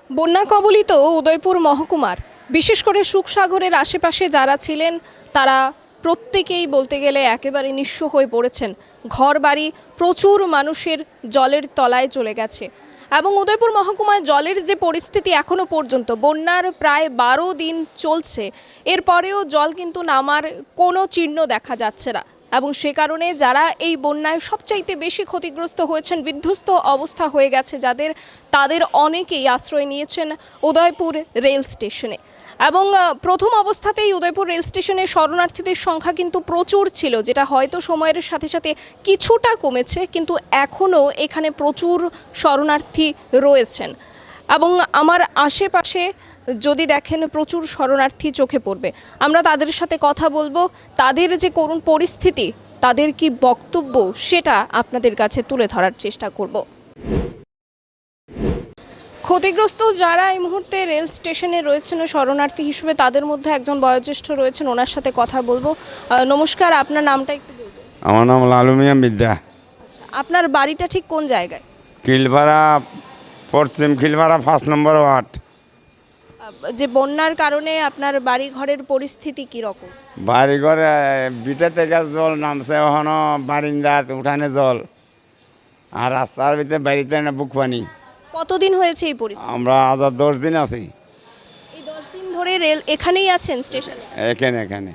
বন্যা কবলিত উদয়পুর মহকুমার বিশেষ করে সুখসাগরের আশেপাশে যারা ছিলেন তারা প্রত্যেকেই বলতে গেলে একেবারে নিঃস্ব হয়ে পড়েছেন। ঘরবাড়ি প্রচুর মানুষের জলের তলায় চলে গেছে এবং উদয়পুর মহকুমায় জলের যে পরিস্থিতি এখনো পর্যন্ত বন্যার প্রায় 12 দিন চলছে, এরপরেও জল কিন্তু নামার কোনো চিহ্ন দেখা যাচ্ছে না এবং সে কারণে যারা এই বন্যায় সবচাইতে বেশি ক্ষতিগ্রস্ত হয়েছেন, বিধ্বস্ত অবস্থা হয়ে গেছে যাদের, তাদের অনেকেই আশ্রয় নিয়েছেন উদয়পুর রেল স্টেশনে। এবং প্রথম অবস্থাতেই উদয়পুর রেল স্টেশনে শরণার্থীদের সংখ্যা কিন্তু প্রচুর ছিল, যেটা হয়তো সময়ের সাথে সাথে কিছুটা কমেছে, কিন্তু এখনও এখানে প্রচুর শরণার্থী রয়েছেন এবং আমার আশেপাশে যদি দেখেন প্রচুর শরণার্থী চোখে পড়বে। আমরা তাদের সাথে কথা বলবো, তাদের যে করুণ পরিস্থিতি, তাদের কি বক্তব্য সেটা আপনাদের কাছে তুলে ধরার চেষ্টা করব। ক্ষতিগ্রস্ত যারা এই মুহূর্তে রেল স্টেশনে রয়েছেন শরণার্থী হিসেবে, তাদের মধ্যে একজন বয়োজ্যেষ্ঠ রয়েছেন, ওনার সাথে কথা বলবো। নমস্কার, আপনার নামটা একটু বলবেন? আমার নাম লালু মিয়া বিদ্যা। আপনার বাড়িটা ঠিক কোন জায়গায়? কিলপাড়া, পশ্চিম কিলপাড়া 5 নম্বর ওয়ার্ড। যে বন্যার কারণে আপনার বাড়ি ঘরের পরিস্থিতি কি রকম? বাড়ি ঘরে বিটা থেকে জল নামছে, ওখানো বারিন্দাত উঠানে জল, আর রাস্তার ভিতরে বাড়িতে না বুক পানি। কতদিন হয়েছে এই পরিস্থিতি? আমরা আজ 10 দিন আছি এই 10 দিন ধরে রেল এখানেই আছেন স্টেশনে? এখানে।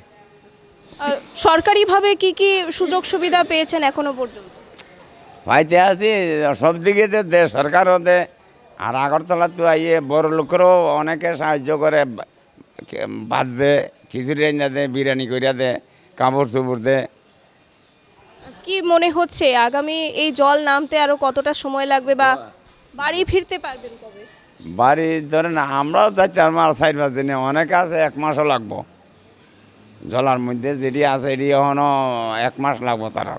সরকারিভাবে কি কি সুযোগ সুবিধা পেয়েছেন এখনো পর্যন্ত? পাইতে আছি সব দিকে দে, সরকারও দে, আর আগরতলা তো আইয়ে বড় লোকেরও অনেকে সাহায্য করে, ভাত দে, খিচুড়ি রান্না দে, বিরিয়ানি করিয়া দে, কাপড় চোপড় দে। কি মনে হচ্ছে আগামী এই জল নামতে আরো কতটা সময় লাগবে বা বাড়ি ফিরতে পারবেন কবে? বাড়ি ধরেন আমরাও যাই 4 মাস 4-5 দিনে, অনেকে আছে 1 মাসও লাগবো। জলার মধ্যে যেটি আছে এটি এখনও 1 মাস লাগবো তারা।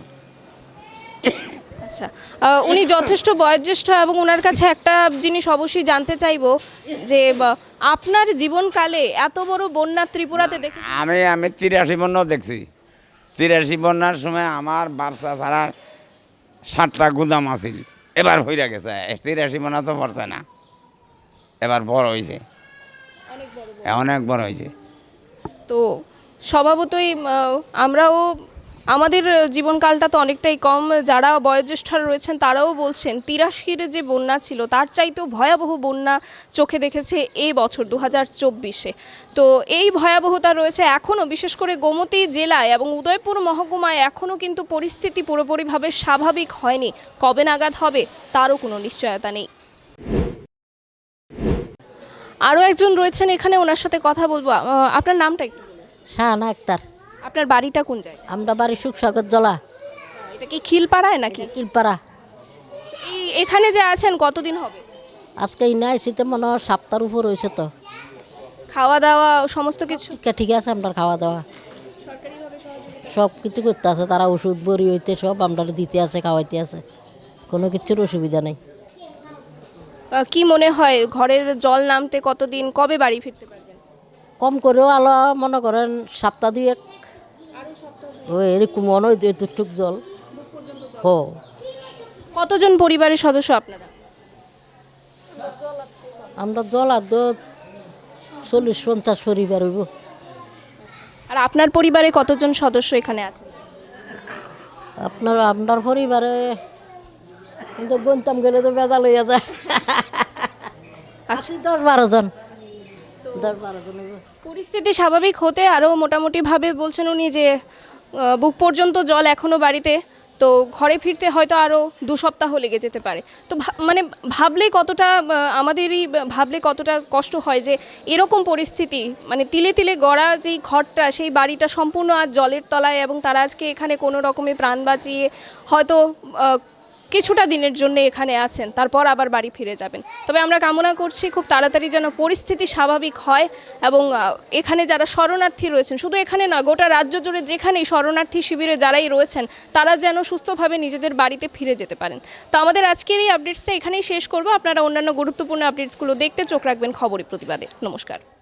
আচ্ছা, উনি যথেষ্ট বয়োজ্যেষ্ঠ এবং ওনার কাছে একটা জিনিস অবশ্যই জানতে চাইবো যে আপনার জীবনকালে এত বড় বন্যা ত্রিপুরাতে দেখেছি? আমি 83 বন্যাও দেখছি। 83 বন্যার সময় আমার ব্যবসা ছাড়া 7টা গুদাম আছিল, এবার হইয়া গেছে। 83 বন্যা তো পড়ছে না, এবার বড় হয়েছে, অনেক বড় হয়েছে। তো স্বভাবতই আমরাও, আমাদের জীবনকালটা তো অনেকটাই কম। যারা বয়োজ্যেষ্ঠরা রয়েছেন তারাও বলছেন 83-র যে বন্যা ছিল তার চাইতেও ভয়াবহ বন্যা চোখে দেখেছে এই বছর 2024-এ। তো এই ভয়াবহতা রয়েছে এখনও, বিশেষ করে গোমতী জেলায় এবং উদয়পুর মহকুমায় এখনও কিন্তু পরিস্থিতি পুরোপুরিভাবে স্বাভাবিক হয়নি। কবে নাগাদ হবে তারও কোনো নিশ্চয়তা নেই। আরও একজন রয়েছেন এখানে, ওনার সাথে কথা বলবো। আপনার নামটা একটু বলুন। শাহানা আক্তার। আপনার বাড়িটা কোন জায়গায়? আমরা বাড়ি সুখসাগর জলা, এটা কি খিলপাড়ায় নাকি? কিলপাড়া। এখানে যে আছেন কতদিন হবে? আজকে ইনা এসিতে মনে হয় সপ্তাহের উপর হয়েছে তো। খাওয়া দাওয়া সমস্ত কিছু ঠিক আছে, আমরা খাওয়া দাওয়া সব কিছু করতে আছে, তারা ওষুধ বড়ি হইতে সব আমরা দিতে আছে, খাওয়াইতে আছে, কোনো কিছুর অসুবিধা নেই। কি মনে হয় ঘরের জল নামতে কতদিন, কবে বাড়ি ফিরতে পারবেন? কম করেও আলো মনে করেন সপ্তাহ 2-1, ওই এরকম মনে হয় এতটুক জল। হো, কতজন পরিবারের সদস্য আপনারা? আমরা জল আর 40-50 পরিবার হইব। আর আপনার পরিবারে কতজন সদস্য এখানে আছেন? আপনার পরিবারে কিন্তু গন্তাম গেলে তো বেজাল হইয়া যায়। আচ্ছা, 10-12 জন। 10-12 জন হইব। পরিস্থিতি স্বাভাবিক হতে আরও মোটামুটিভাবে বলছেন উনি যে বুক পর্যন্ত জল এখনও বাড়িতে, তো ঘরে ফিরতে হয়তো আরও 2 সপ্তাহ লেগে যেতে পারে। তো মানে ভাবলে কতটা, আমাদেরই ভাবলে কতটা কষ্ট হয় যে এরকম পরিস্থিতি, মানে তিলে তিলে গড়া যেই ঘরটা, সেই বাড়িটা সম্পূর্ণ আজ জলের তলায় এবং তারা আজকে এখানে কোনো রকমে প্রাণ বাঁচিয়ে হয়তো কিছুটা দিনের জন্য এখানে আছেন, তারপর আবার বাড়ি ফিরে যাবেন। তবে আমরা কামনা করছি খুব তাড়াতাড়ি যেন পরিস্থিতি স্বাভাবিক হয় এবং এখানে যারা শরণার্থী রয়েছেন, শুধু এখানে না গোটা রাজ্য জুড়ে যেখানেই শরণার্থী শিবিরে যারাই রয়েছেন, তারা যেন সুস্থভাবে নিজেদের বাড়িতে ফিরে যেতে পারেন। তো আমাদের আজকের এই আপডেটসটা এখানেই শেষ করব। আপনারা অন্যান্য গুরুত্বপূর্ণ আপডেটসগুলো দেখতে চোখ রাখবেন খবরের প্রতিবাদে। নমস্কার।